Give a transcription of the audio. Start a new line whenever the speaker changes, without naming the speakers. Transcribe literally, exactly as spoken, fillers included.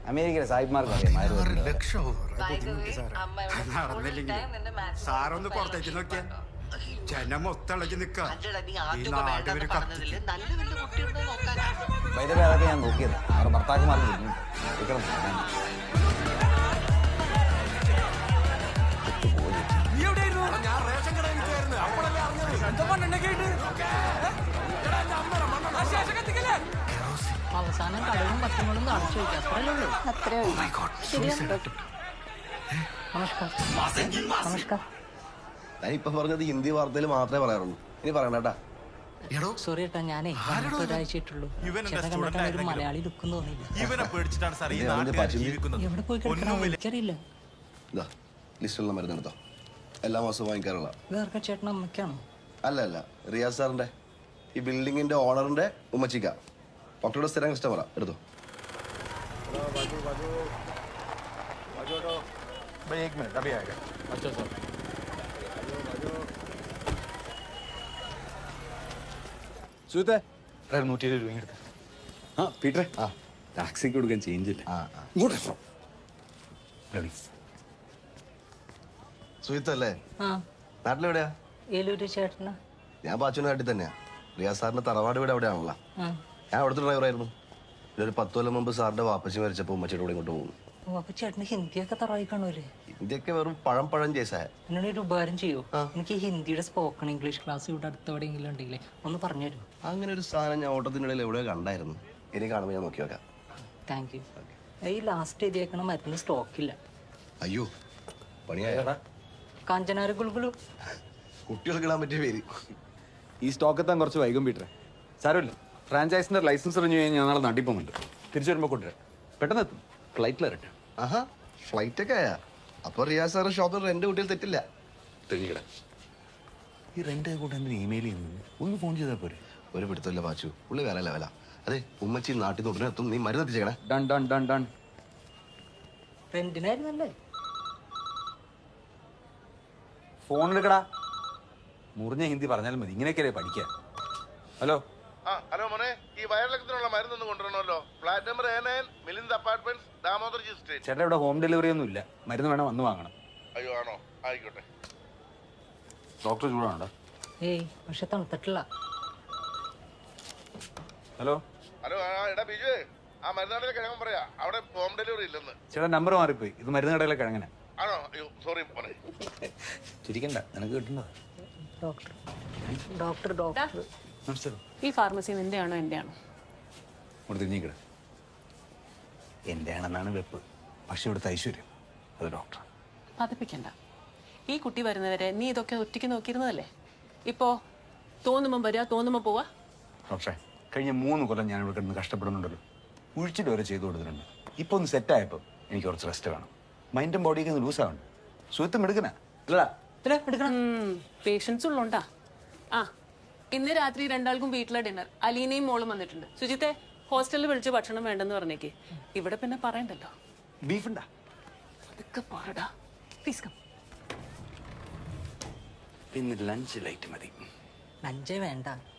അമേരിക്കയിലെ സാഹിബ്മാർക്ക് അറിയാം.
സാറൊന്ന് പുറത്തേക്ക് നോക്കിയാ ജനം മൊത്തളഞ്ഞ് നിൽക്കാം.
അതൊക്കെ ഞാൻ നോക്കിയത് അവരുടെ ഭർത്താക്കന്മാർക്ക്
അവസാനം കടവും പച്ചമുളും കാണിച്ചു വയ്ക്കുക. അത്രയല്ലേ ഉള്ളൂ. അത്രേ നമസ്കാരം.
ഇപ്പൊ പറഞ്ഞത് ഹിന്ദി വാർത്തയിൽ മാത്രമേ പറയാറുള്ളൂ. ഇനി പറയണേട്ടാ.
സോറി ഏട്ടാ, ഞാനേ ഒരാഴ്ചയിട്ടുള്ളൂ. ചേട്ടൻ കണ്ടിട്ടാണ് ഒരു മലയാളി ലുക്കും തോന്നിയില്ല. എവിടെ പോയി കിടക്കണം എനിക്കറിയില്ല.
ലിസ്റ്റുള്ള മരുന്നെടുത്തോ. എല്ലാ മാസവും വാങ്ങിക്കാറുള്ള.
വേറെ ചേട്ടൻ അമ്മയ്ക്കാണോ?
അല്ല അല്ല, റിയാസ് സാറിന്റെ ഈ ബിൽഡിങ്ങിന്റെ ഓണറിന്റെ ഉമ്മച്ചിക്ക. ഡോക്ടറുടെ സ്ഥിരം കസ്റ്റമറാ. എടുത്തോ.
സുഹൃത്തെ നൂറ്റി ഇരുപത് രൂപ എടുത്ത. ആ പീറ്ററെ, ആ ടാക്സിക്ക് കൊടുക്കാൻ ചേഞ്ച് ഇല്ല.
സുഹിത്തല്ലേ?
ആ,
നാട്ടിലെവിടെയാ?
ഏലൂര് ചേട്ടനാ.
ഞാൻ പാച്ചുവിന്റെ നാട്ടിൽ തന്നെയാ. റിയാസ് സാറിന്റെ തറവാട് വീട് എവിടെയാണല്ലോ. ഞാൻ അവിടുത്തെ ഡ്രൈവറായിരുന്നു. പിന്നെ ഒരു പത്ത് കൊല്ലം മുമ്പ് സാറിന്റെ വാപ്പച്ചി മരിച്ചപ്പോൾ ഉമ്മച്ചിയുടെ കൂടെ ഇങ്ങോട്ട് പോകുന്നു.
അപ്പൊ ചേട്ടന് ഹിന്ദിയൊക്കെ തറവായി കാണൂലേ?
ഹിന്ദിയൊക്കെ വെറും പഴം പഴം ചേസായ.
എന്നോട് ഒരു ഉപകാരം ചെയ്യൂ. എനിക്ക് ഹിന്ദിയുടെ സ്പോക്കൺ ഇംഗ്ലീഷ് ക്ലാസ് ഇവിടെ അടുത്തെവിടെയെങ്കിലും ഉണ്ടെങ്കിലേ ഒന്ന് പറഞ്ഞു തരൂ.
അങ്ങനെ ഒരു സാധനം ഞാൻ ഓട്ടത്തിനിടയിൽ എവിടെയോ കണ്ടായിരുന്നു. ഇനി കാണുമ്പോൾ ഞാൻ നോക്കി വെക്കാം.
Thank you. ഈ ലാസ്റ്റ് എഴുതിയേക്കണ മരുന്ന് സ്റ്റോക്കില്ല.
അയ്യോ, പണിയായടാ.
കാഞ്ചനാര ഗുൾഗുളു.
കുട്ടികൾക്ക് ഇടാൻ പറ്റിയ പേര്.
ഈ സ്റ്റോക്ക് എത്താൻ കുറച്ച് വൈകും പീറ്ററെ. സാരമില്ല, ഫ്രാഞ്ചൈസിന്റെ ലൈസൻസ് റിന്യൂ ചെയ്യാൻ ഞാൻ നാളെ നാട്ടിൽ പോകുന്നുണ്ട്. തിരിച്ചു വരുമ്പോൾ കൊണ്ടുവരാം. പെട്ടെന്ന് എത്തും. ഫ്ലൈറ്റിൽ ഇറട്ടെ.
ആഹാ, ഫ്ലൈറ്റ് ഒക്കെ ആയാ? അപ്പൊ റിയാസ് സാറ് ഷോപ്പിൽ റെന്റ് കുട്ടിയിൽ തെറ്റില്ല.
തെളിയിക്കട. ഈ റെന്റ് കൂടെ എന്തിന് ഇമെയിൽ ചെയ്യുന്നത്? ഒന്ന് ഫോൺ ചെയ്താൽ പോരെ?
ഒരു പിടുത്തമില്ല പാച്ചു, പുള്ളി വേറെ ലെവലാ. അതെ, ഉമ്മച്ചി നാട്ടിൽ നിന്ന് ഉടനെ എത്തും. നീ മരുന്ന് എത്തിച്ചേക്കണേ.
Done done done done.
റെന്റിനായിരുന്നല്ലേ?
ഫോൺ എടുക്കടാ. മുറിഞ്ഞ ഹിന്ദി പറഞ്ഞാലും മതി. ഇങ്ങനെയൊക്കെയല്ലേ പഠിക്കാൻ. ഹലോ.
ആ ഹലോ മോനെ, ഈ വയറിളക്കത്തിനുള്ള മരുന്നൊന്നും കൊണ്ടുവരണമല്ലോ. Flat number A nine, Milind apartments, Damodarji street.
ചേട്ടാ, ഇവിടെ ഹോം ഡെലിവറി ഒന്നും ഇല്ല. മരുന്ന് വേണം, വന്ന് വാങ്ങണം.
അയ്യോ ആണോ? ആയിക്കോട്ടെ.
ഡോക്ടർ ചൂടാണോ?
ഏയ്, പക്ഷെ തണുത്തിട്ടില്ല.
ഹലോ.
ഹലോ, എടാ ബിജു, ആ മരുന്ന് കടയിലെ കിഴങ്ങൻ പറയാ, അവിടെ ഹോം ഡെലിവറി ഇല്ലെന്ന്.
ചേട്ടാ, നമ്പർ മാറിപ്പോയി. ഇത് മരുന്ന് കടയിലെ കിഴങ്ങനെ.
ആണോ? അയ്യോ സോറി മോനെ.
ചിരിക്കണ്ട, നിനക്ക് കിട്ടുന്നത്.
ഡോക്ടർ ഡോക്ടർ ഡോക്ടർ
നമസ്കാരം.
ഈ ഫാർമസി നിന്റെ ആണോ എൻ്റെ ആണോ?
ഇവിടെ തിരിഞ്ഞിക്കട. എൻ്റെ ആണെന്നാണ് വെപ്പ്. പക്ഷെ ഇവിടുത്തെ ഐശ്വര്യം അത് ഡോക്ടർ.
പതിപ്പിക്കണ്ട. ഈ കുട്ടി വരുന്നവരെ നീ ഇതൊക്കെ ഒറ്റയ്ക്ക് നോക്കിയിരുന്നതല്ലേ? ഇപ്പോ തോന്നുമ്പം വരിക, തോന്നുമ്പോ പോവാ.
ഡോക്ടറെ, കഴിഞ്ഞ മൂന്ന് കൊല്ലം ഞാൻ ഇവിടെ കിടന്ന് കഷ്ടപ്പെടുന്നുണ്ടല്ലോ. ഉഴിച്ചിട്ട് വരെ ചെയ്തു കൊടുത്തിട്ടുണ്ട്. ഇപ്പൊ ഒന്ന് സെറ്റായപ്പോൾ എനിക്ക് കുറച്ച് റെസ്റ്റ് വേണം. മൈൻഡും ബോഡിയൊക്കെ ഒന്ന് ലൂസാവണം. സുഹൃത്തും എടുക്കണ അല്ലടാ.
പേഷ്യൻസ് ഉള്ളോണ്ടാ. ആ, ഇന്ന് രാത്രി രണ്ടാൾക്കും വീട്ടിലെ ഡിന്നർ. അലീനയും മോളും വന്നിട്ടുണ്ട്. സുജിത്തെ, ഹോസ്റ്റലിൽ വിളിച്ച് ഭക്ഷണം വേണ്ടെന്ന് പറഞ്ഞേക്ക്. ഇവിടെ പിന്നെ പറയണ്ടല്ലോ.
ബീഫ് ഉണ്ടാ?
അതൊക്കെ പറടാ. Please come.
പിന്നെ ലഞ്ച് ലൈറ്റ് മതി.
ലഞ്ചേ വേണ്ട.